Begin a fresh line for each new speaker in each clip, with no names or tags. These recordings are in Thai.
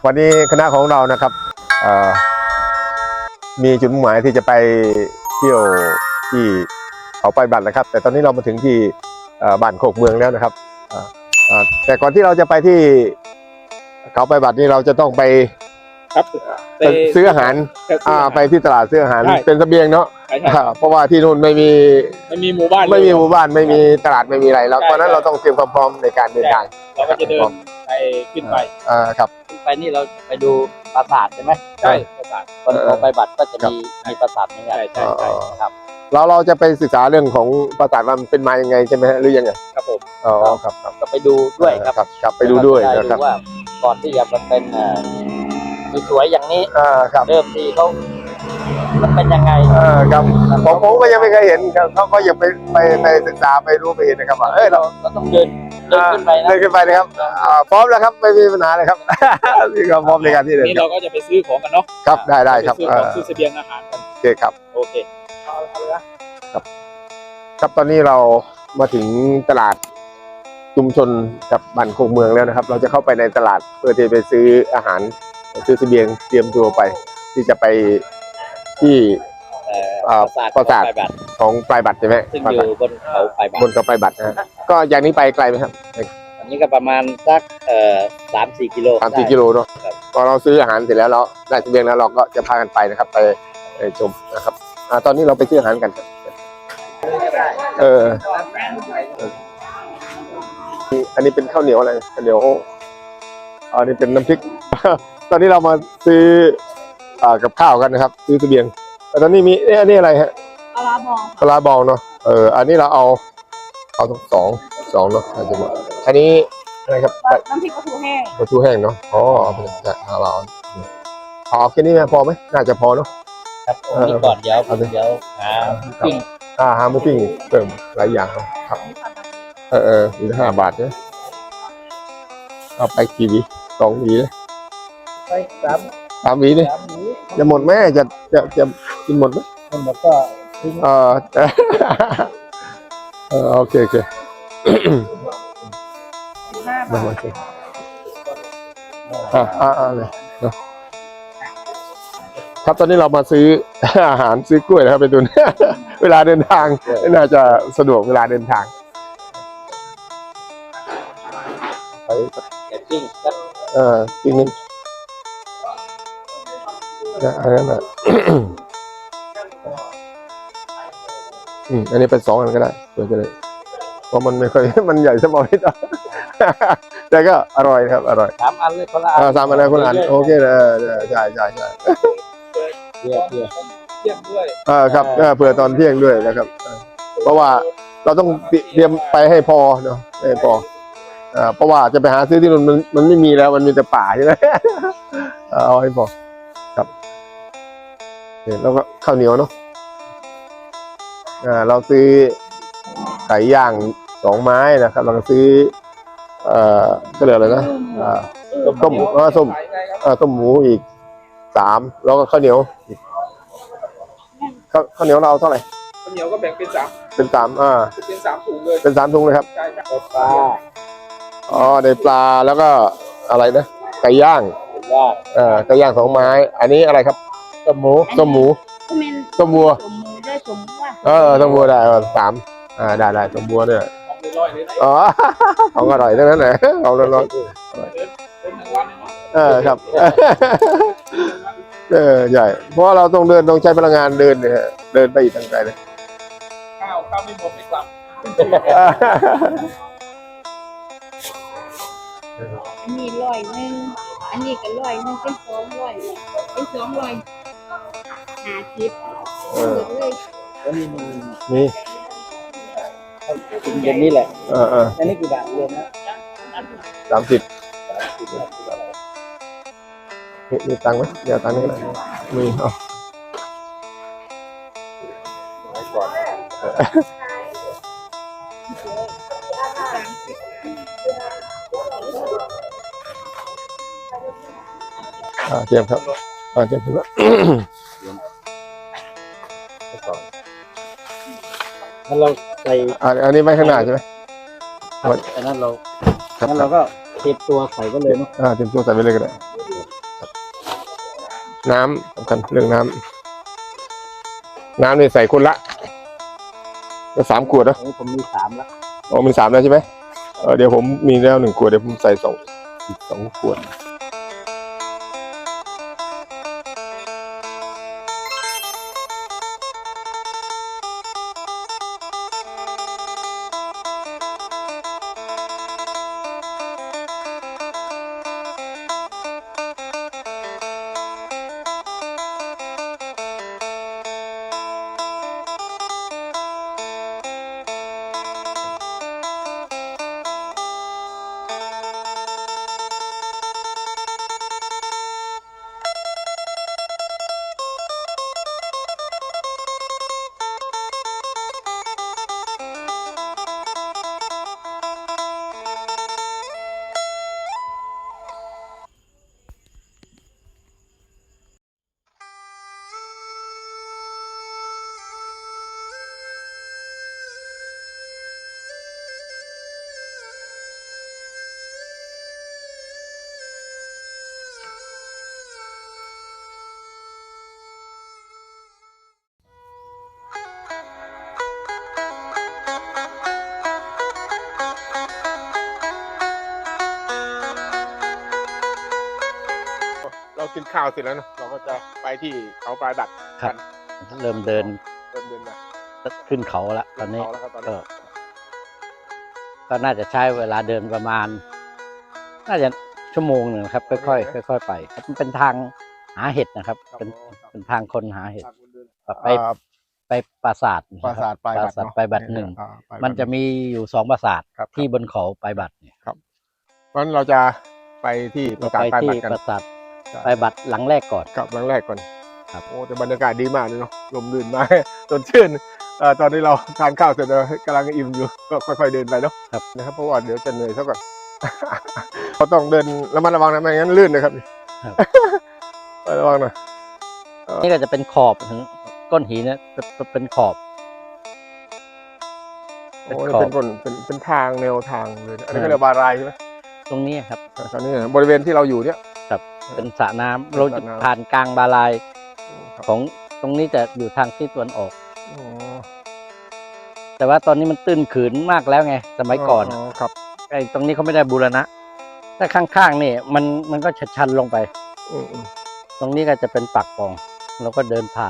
วันนี้คณะของเรานะครับมีจุดมุ่งหมายที่จะไปเที่ยวที่เขาไปบัตรนะครับแต่ตอนนี้เรามาถึงที่บ้านโคกเมืองแล้วนะครับแต่ก่อนที่เราจะไปที่เขาไปบัตรนี่เราจะต้องไปซื้ออาหารไปที่ตลาดซื้ออาหารเป็นเสบียงเนาะเพราะว่าที่นู่นไม่มี
หมู่บ้าน
ไม่มีตลาดไม่มีอะไรแล้วตอนนั้นเราต้องเตรียมความพร้อมในการเดินทาง
เราก็จะเดินไปขึ้นไป
ครับ
ขึ้นไปนี่เราไปดูปราสาทใช่ไหม
ใช่ปราสาท
คนเขาไปบัตรก็จะมีปราสาทเหมือนกัน
ใช่
ครับ
เราจะไปศึกษาเรื่องของปราสาทว่ามันเป็นมายังไงใช่ไหมหรือยังไง
ครับผม
อ๋อครับ
ก็ไปดูด้วย
ครับไปดูด้วยนะครับ
ว่าก่อนที่จะมันเป็นสวยๆอย่างนี้เริ่มที่เขามันเป็นยังไง
ครับผมก็ยังไม่เคยเห็นครับเขาก็ยังไปศึกษาไปรู้ไปเห็นนะครับว่า
เราต้องเดินขึ้นไปนะ
เดินขึ้นไปนะครับพร้อมแล้วครับไม่มีปัญหาเลยครับนี่ก็พร้อมในการที่เดิน
นี่เราก็จะไปซื้อของกันเนาะ
ครับได้ครับ
ซื้อเสบียงอาหารกัน
โอเคครับ
โอเค
ครับตอนนี้เรามาถึงตลาดชุมชนกับบ้านโคกเมืองแล้วนะครับเราจะเข้าไปในตลาดเพื่อที่ไปซื้ออาหารซื้อเสบียงเตรียมตัวไปที่จะไปที่ปราสาทของปลายบัตรใช่ไหม
ซึ่งอยู่บนเขาปลายบัตร
บนเขาปลายบัตรนะก็อย่างนี้ไปไกลไหมครับ
อันนี้ก็ประมาณสัก3-4 กิโล
3-4 กิโลเนาะพอเราซื้ออาหารเสร็จแล้วเราได้เสบียงแล้วเราก็จะพากันไปนะครับไปชมนะครับตอนนี้เราไปซื้ออาหารกันอันนี้เป็นข้าวเหนียวอะไรข้าวเหนียวอันนี้เป็นน้ำพริกตอนนี้เรามาซื้อกับข้าวกันนะครับซื้อเสบียงแต่ตอนนี้มีอันนี้อะไรฮะ
ปลาบอง
ปลาบองเนาะอันนี้เราเอาสองเนาะอาจจะหมดอันนี้อะไรครับ
น้ำพริกปลาทูแห้ง
เนาะอ๋อเราเอาแค่นี้พอไหมน่าจะพอเนาะ
ครับนี่ก่อนเดี๋ยวหาปิ้ง
หาหมูปิ้งเติมหลายอย่างครับอีก5 บาทเนี่ยเอาไปกี่หวี2 หวีเลย
ไป
3 หวีนี่จะหมดไหมจะกินหมดไหม
หมดก็
โอเคเลยครับตอนนี้เรามาซื้ออาหารซื้อกล้วยนะครับไปดูเวลาเดินทางน่าจะสะดวกเวลาเดินทาง
ไปปิ้ง
ปิ้งนี่อันนั้นอันนี้เป็น2 อันก็ได้เพื่อจะได้เพราะมันไม่ค่อยมันใหญ่สมองนิดแต่ก็อร่อยครับอร่อย
3 อันเลยคนละอัน
3 อันเลยคนละอันโอเคเลยใช่
เพื่อ
เที่ยงด้วย
ครับเผื่อตอนเที่ยงด้วยนะครับเพราะว่าเราต้องเตรียมไปให้พอเนาะให้พอเพราะว่าจะไปหาซื้อที่นู่นมันไม่มีแล้วมันมีแต่ป่าใช่ไหมเอาให้พอครับแล้วก็ข้าวเหนียวเนาะเราซื้อไก่ย่าง2 ไม้นะครับเราก็ซื้อก็เหลืออะไรนะต้มหมูอีก3แล้วก็ข้าวเหนียวข้าวเหนียวเราเท่าไหร่
ข้าวเหนียวก็แบ่งเป็น3
เป็น
3ถุงเลย
เป็น3 ถุงเลยครับ
ใช่
ปลา
ได้ปลาแล้วก็อะไรนะไก่ย่างไก่ย่าง2 ไม้อันนี้อะไรครับต้มหมูต้มวัวต้มวัวได้ได้ต้มวัวเนี่ยของอร่อยทั้งนั้นแหละของอร่อยครับใหญ่เพราะเราต้องใช้พลังงานเดินเนี่ยเดินไปอีกทางไกลเลย
ข้าวไม่หมดไม่กลับ
อันนี้100อันนี้ก็100เป็น200เป็น250เลย
นี่
เย็นนี่แหละอันนี้กี่บาทเย็นนะ
30มีตังค์ไหมเดี๋ยวตังค์นี่ก็ได้มีเตรียมครับเตรียมแล้ว
เราใส่
อันนี้ไว้ข้างหน้าใช่ไหม
อันนั้นเราก็เตรียมตัวใส่ก็เลยเนาะ
เตรียมตัวใส่ไปเลยก็ได้น้ำสำคัญเรื่องน้ำนี่ใส่คนละก็3 ขวดนะ
ผมมี3แล้ว
อ๋อมี3แล้วใช่ไหมเดี๋ยวผมมีแล้ว1 ขวดเดี๋ยวผมใส่2 ขวดเรากินข้าวเสร็จแล้วเนอะเราก็จะไปที่เขาปลายบัตร
ครับ เริ่มเดิน
มา
ขึ้นเขาละตอนนี้
เขาแล้วครับตอนนี้
ก็น่าจะใช้เวลาเดินประมาณ น่าจะ1 ชั่วโมงครับค่อยๆไปครับมันเป็นทางหาเห็ดนะครับ เป็นทางคนหาเห็ดไปปราสาท
ปราสาทปลายบัตร
ปลายบัตร มันจะมีอยู่2 ปราสาท
ครับ
ที่บนเขาปลายบัตรเนี่ย
ครับเพราะฉะนั้นเราจะไปที่ปราสาท
ไป
ปลาย
ที่
บัตรกัน
ปราสาทปลายบัตรหลังแรกก่อน
กับครั้งแรกก่อน
ครับ
โอ้แต่บรรยากาศดีมากเลยเนาะลมลื่นมากสดชื่นตอนนี้เราทานข้าวเสร็จแล้วกำลังอิ่มอยู่ก็ค่อยๆเดินไปเนาะ
ครับ
นะครับเพราะว่าเดี๋ยวจะเหนื่อยซะก่อน เขาต้องเดินระมัดระวังนะไม่งั้นลื่นนะครับ ระวังหน่อย
นี่ก็จะเป็นขอบถึงก้อนหินเนี่ยเป็นขอบ
โอ้เป็นคนเป็นทางแนวทางเลยอันนี้ก็เรียกบารายใช่ไหม
ตรงนี้ครับ
ตอนนี้บริเวณที่เราอยู่เนี่ย
ครับเป็นสระน้ำเรา
สระ
จะ
น้ำ
ผ่านกลางบาลาย
ครับ
ของตรงนี้จะอยู่ทางที่ตะวันออก
อ๋อ
แต่ว่าตอนนี้มันตื้นขืนมากแล้วไงสมัยก่อน
ครับ
ไอ้ตรงนี้เขาไม่ได้บูรณะถ้าข้างๆนี่มันก็ชันลงไป
อืม
ตรงนี้ก็จะเป็นปากปล่องเราก็เดินผ่าน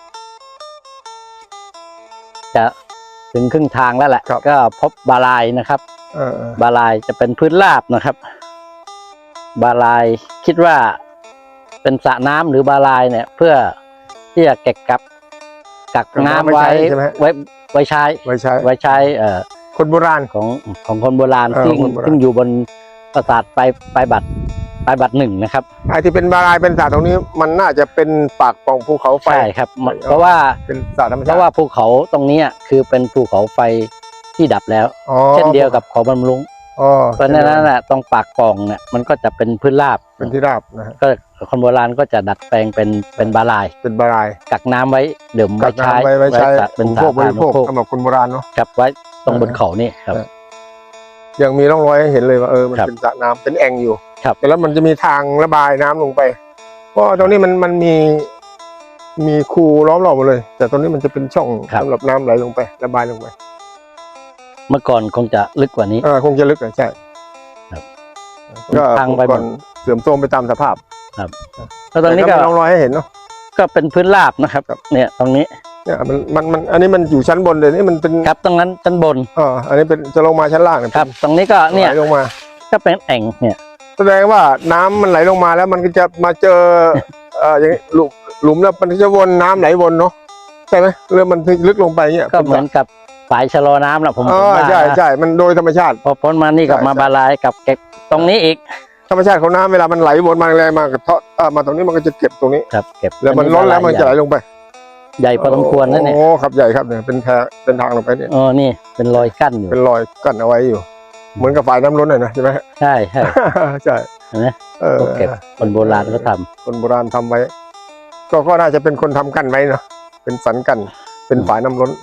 จะถึงครึ่งทางแล้วแหละ ก็พบบาลายนะครับ บาลายจะเป็นพื้นราบนะครับ บาลายคิดว่าเป็นสระน้ำหรือบาลายเนี่ย เพื่อที่จะกักน้ำไว้ใช้
คนโบราณ
ของคนโบราณซึ่งอยู่บนปราสาทปลายบัตร 1นะครับ
ไอ้ที่เป็นบารายเป็นสระตรงนี้มันน่าจะเป็นปากปล่องภูเขาไฟ
ใช่ครับเพราะว่า
เป็นสระธรรมชาติ
เพราะว่าภูเขาตรงนี้คือเป็นภูเขาไฟที่ดับแล้ว เช่นเดียวกับเขาบำรุงเพราะฉะนั้นน่ะตรงปากปล่องเนี่ยมันก็จะเป็นพื้นราบ
เป็นที่ราบนะฮะ
ก็คนโบราณก็จะดัดแปลงเป็นบาลาย
เป็นบาราย
กักน้ำไว้ดื่มไว้ใช้
เป็นพวกบริโภคสำหรับคนโบราณเนาะ
กับไว้ตรงบนเขานี่ครับ
ยังมีร่องรอยให้เห็นเลยว่ามันเป็นสระน้ำเป็นแอ่งอยู่ แต่แล้วมันจะมีทางระบายน้ำลงไปเพราะตรงนี้มันมีคูล้อมรอบหมดเลย แต่ตรงนี้มันจะเป็นช่องสำหรับน้ำไหลลงไประบายลงไป
เมื่อก่อนคงจะลึกกว่านี้
คงจะลึกใช่
ครับ
ก็
ทางไป
ก่อนเสื่อมโทรมไปตามสภาพ
ครับแล้วตรงนี้ก็
ร่องรอยให้เห็นเนาะ
ก็เป็นพื้นราบนะครับเนี่ยตรงนี้
เนี่ยมันอันนี้มันอยู่ชั้นบนเลยนี่มันเป็น
ครับตรงนั้นชั้นบน
อันนี้เป็นจะลงมาชั้นล่างเนี่ย
ครับ ตรงนี้ก็เนี่ย
ไหลลงมา
ก็เป็นแอ่งเนี่ย
แสดงว่าน้ำมันไหลลงมาแล้วมันก็จะมาเจออย่างนี้หลุมแล้วมันจะวนน้ำไหลวนเนาะใช่ไหมเรือมันลึกลงไปเนี่ย
ก็เหมือนกับฝายชะลอน้ำแหละผมว่า
ใช่มันโดยธรรมชาติ
พอพ้นมานี่กับมาบาลายกับเก็บตรงนี้อีก
ธรรมชาติของน้ำเวลามันไหลวนมาแรงมากระเทาะมาตรงนี้มันก็จะเก็บตรงนี้
ครับเก็บ
แล้วมันล้นแล้วมันจะไหลลงไป
ใหญ่พอสมควรนั่นเนี่ย
โอ้ครับใหญ่ครับเนี่ยเป็นทางลงไปเนี่ย
นี่เป็นรอยกั้นอยู่
เป็นรอยกั้นเอาไว้อยู่ เหมือนกับฝ่ายน้ำล้นหน่อยนะใช่ไหม
ใช่
ใช่
เห็นไหมก็เก็บคนโบราณก็ทำ
คนโบราณทำไว้ก็น่าจะเป็นคนทำกั้นไว้เนาะเป็นสันกั้นเป็นฝ่ายน้ำล้น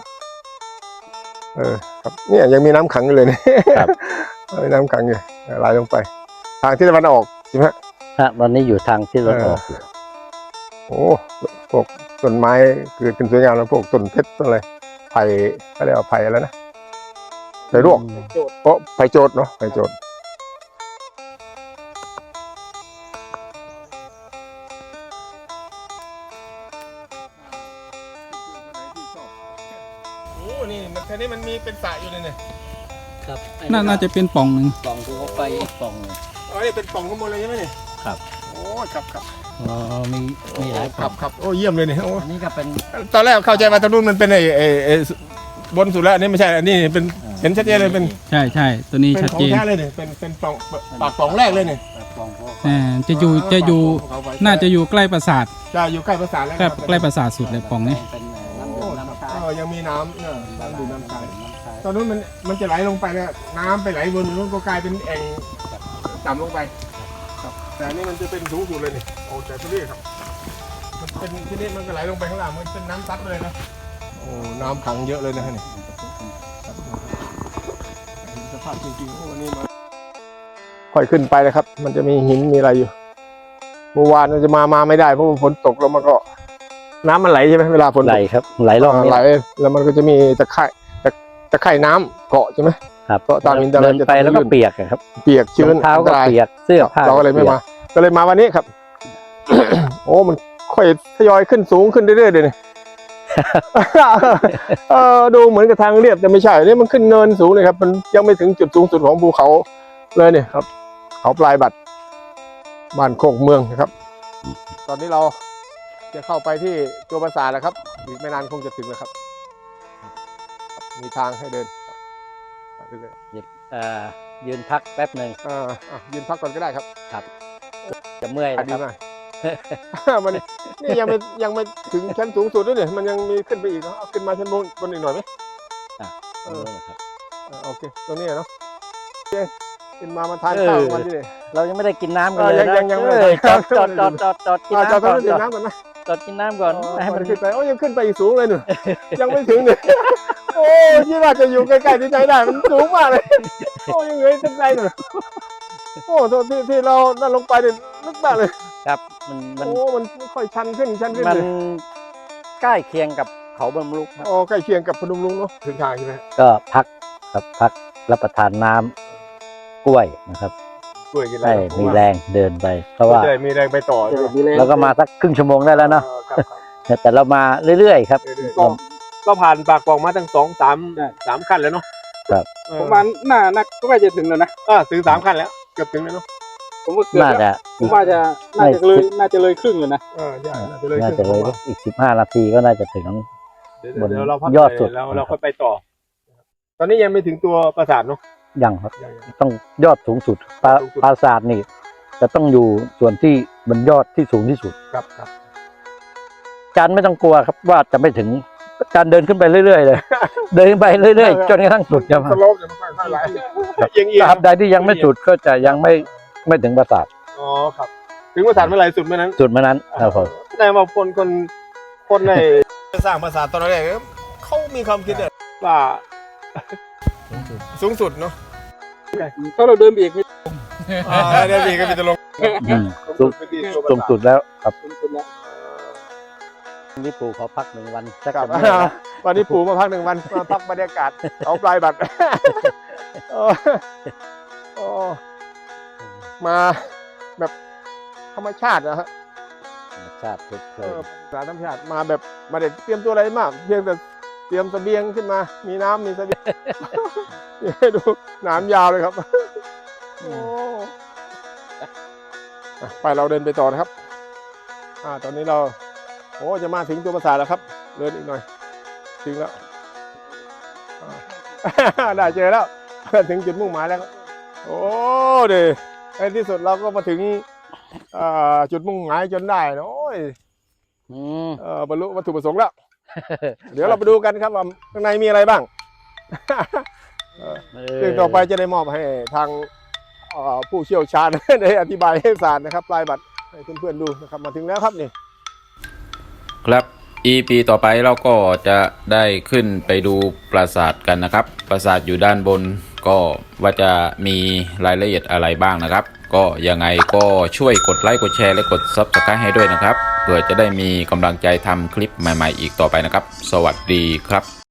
ครับเนี่ยยังมีน้ำขังอยู่เลยเนี่ยมีน้ำขังอยู่ไหลลงไป ทางที่ตะวันออกใช่ไหม
ตอนนี้อยู่ทางที่ตะวันออก
โอ้พวกต้นไม้เกิดขึ้นสวยงามแล้วพวกต้นเพชรต้นอะไรไผ่เขาเรียกว่าไผ่อะไรนะไผ่รวก
โจทย์
โอ้ไผ่โจดเนาะไผ่โจดโอ้นี่มันแค่นี้มันมีเป็นสระอยู่เลยเนี่ย
ครับ
น่าจะเป็นป่องหนึ่ง
ปล่องภูเขาไฟอีกปล่องหนึ่ง
อ๋อนี่เป็นปล่องข้างบนเลยใช่ไหมเนี่ย
ครับ
โอ้ครับครับ
อ๋อมีหลายป
ค
ล่
รั
อบ ง
ครับโอ้เยี่ยมเลยเนี่ยโอ้
อันนี้ก็เป็น
ตอนแรกเข้าใจว่าตรงนู้นมันเป็นไอ้บนสุดแล้วอันนี้ไม่ใช่อันนี้เป็นเห็นชัดเจนเลยเป็น
ใช่ตัวนี้
เป็น
ชัด
ของ
เจน
แท้เลยเนี่ยเป็นปล่องปากปล่องแรกเลยเนี่ย
ปล่องภูเขาไฟ
จะอยู่น่าจะอยู่ใกล้ปราสาท
จะอยู่ใกล้ประสาทแล้ว
ใกล้ปราสาทสุดเลยป่องนี้
เป็น
โอ้
น้ำดื่มน้ำชา
ยังมีน้ำเนี่ยน้ำดื่มน้ำชา
น้ำชา
ตอนนู้นมันจะไหลลงไปเนี่ยน้ำไปไหลบนนู้นก็กลายเป็นแอ่งต่ำลงไปครับแต่อันนี้มันจะเป็นสูงสุดเลยนี่โอ้แต่ที่นี่ครับมันเป็นที่นี่มันก็ไหลลงไปข้างล่างมันเป็นน้ำซัดเลยนะโอ้น้ำขังเยอะเลยนะฮะนี่สภาพจริงๆโอ้นี่มาค่อยขึ้นไปนะครับ มันจะมีหินมีอะไรอยู่เมื่อวานมันจะมาไม่ได้เพราะว่าฝนตกแล้วมันก็น้ำมันไหลใช่ไหมเวลาฝนตก
ไหลครับไหลล่องนี่
ไหลแล้วมันก็จะมีตะไคร่น้ำเกาะใช่ไหม
ครับ
ก็ตามอินเทอร์เน็
เดิ
ต
น
จะ
ไปแล้วก็
ลื่น
เปียกอะครับ
เปียกชื้น
รองเท้า
อันต
ก็
ราย
เปียกเสื้อผ้า
เราก็เลยไม่มา ก็เลยมาวันนี้ครับ โอ้มันค่อยทยอยขึ้นสูงขึ้นเรื่อยๆเลยเนี่ย ดูเหมือนกับทางเรียบแต่ไม่ใช่นี่มันขึ้นเนินสูงเลยครับ มันยังไม่ถึงจุดสูงสุดของภูเขาเลยเนี่ยครับ เขาปลายบัตรบ้านโคกเมืองนะครับ ตอนนี้เราจะเข้าไปที่ตัวปราสาทแล้วครับอีกไม่นานคงจะถึงแล้วครับ มีทางให้เดินครับไปเรื่อย
ยืนพักแป๊บหนึ่ง
ยืนพักก่อนก็ได้ครับ
จะเมื่อย
อ่ะ
นะ
ดี
ครับ
มาก มันนี่ยังไม่ถึงชั้นสูงสุดด้วยเนี่ยมันยังมีขึ้นไปอีกเนาะเอาขึ้นมาชั้นบนอีกหน่อยไหม
เออครับ
โอเคตรงนี้เนาะโอเคขึ้นมาทานข้าวกันที่นี่
เรายังไม่ได้กินน้ำกัน
เออ
เลยนะ
ยังไม่
เออ
ได้
จอดกิน
จอด
น้ำก่อน
ดื่มน้ำก่อนนะ
จอดกินน้ำก่อนให้
ให้
มั
มัน นขึ้นไปโอ้ยังขึ้นไปอีกสูงเลยหนูยังไม่ถึงเนี่ยโอ้ยี่ว่าจะอยู่ใกล้ๆที่ใจได้มันสูงมากเลยโอ้ยังเหลือตั้งไกลหนูโอ้ตัวที่เรานั่นลงไปเนี่ยลึกมากเลย
ครับมัน
โอ้มันค่อยชันขึ้น
มัน
เลย
ใกล้เคียงกับเขาบรรลุครับ
โอ้ใกล้เคียงกับพนมรุ้งเนาะถึงทางใช่ไหม
ก็พักรับประทานน้ำกล้วยนะครับ
กล้วยกินอะไร
ให้มีแรงเดินไป เพราะว่า
จะได้มีแรงไปต่อใช่ไหม
เราก็มาสักครึ่งชั่วโมงได้แล้วเนาะ
ครับ
แต่เรามาเรื่อยๆครับ
ก็ผ่านปากปล่องมาตั้ง3 ขั้นแล้วเนาะ
ครับ
ประมาณน่าก็ใกล้จะถึงแล้วนะ
ถึง3 ขั้นแล้วเกือบถึงแล้วเนาะ
ผมว่าเกือบ
น่า
แล้ว
จะ
ผมว่าน่าจะเลยครึ่งเลยนะ
ใช่น่าจะเลย
น่า
ขึ้น
จะเลยอีก15 นาทีก็น่าจะถึง บน
เดี๋ยวเราพัก
ยอดสุด
เราค่อยไปต่อ ตอนนี้ยังไม่ถึงตัวปราสาทเนาะ
ยังครับ
ยัง
ต้องยอดสูงสุด
ยอดสูงสุด
ปราสาทนี่จะต้องอยู่ส่วนที่บนยอดที่สูงที่สุด
ครับ
จานไม่ต้องกลัวครับว่าจะไม่ถึงจานเดินขึ้นไปเรื่อยๆเลย เดินไปเรื่อยๆจนกระทั่งสุดครับ
สโลปจะไม่ค่อยไหลเอียง
ตราบใดที่ยังไม่สุดก็จะยังไม่ถึงปราสาท
อ๋อครับ ถึงปราสาทเมื่อไหร่สุดเมื่อนั้น
จุดเมื่อนั้นครับผม
แต่ว่าคนในสร้างปราสาทตอนแรกเขามีความคิดว่าสูงสุดเนาะ
ถ้าเราเดินไปอีก
ได้ดีก็มีจะลง
สูงสุดแล้วครับนี่ปู่ขอพัก1 วันสัก
ครับ
จะเมื่อยนะ
วันนี้ปู่มาพัก1 วันมาพักบรรยากาศเขาปลายบัตรมาแบบธรรมชาตินะฮะ
ธรรมชาติเพลิน
สารธรรมชาติมาแบบมาเด็ดเตรียมตัวอะไรมากเพียงแต่เตรียมเสบียงขึ้นมา มีน้ำมีเสบียง ดูหนามยาวเลยครับโอ้ไปเราเดินไปต่อนะครับตอนนี้เราจะมาถึงตัวปราสาทแล้วครับเดินอีกหน่อยถึงแล้วได้เจอแล้วถึงจุดมุ่งหมายแล้วครับโอ้เดี๋ยวในที่สุดเราก็มาถึงจุดมุ่งหมายจนได้นะโอ้ย บรรลุวัตถุประสงค์แล้ว เดี๋ยวเราไปดูกันครับว่าข้างในมีอะไรบ้างซึ่งต่อไปจะได้มอบให้ทางผู้เชี่ยวชาญ ได้อธิบายให้ศาสตร์นะครับปลายบัตรให้เพื่อนๆดูนะครับมาถึงแล้วครับนี่
ครับ EP ต่อไปเราก็จะได้ขึ้นไปดูปราสาทกันนะครับ ปราสาทอยู่ด้านบนก็ว่าจะมีรายละเอียดอะไรบ้างนะครับก็ยังไงก็ช่วยกดไลค์กดแชร์และกด Subscribe ให้ด้วยนะครับเพื่อจะได้มีกำลังใจทำคลิปใหม่ๆอีกต่อไปนะครับสวัสดีครับ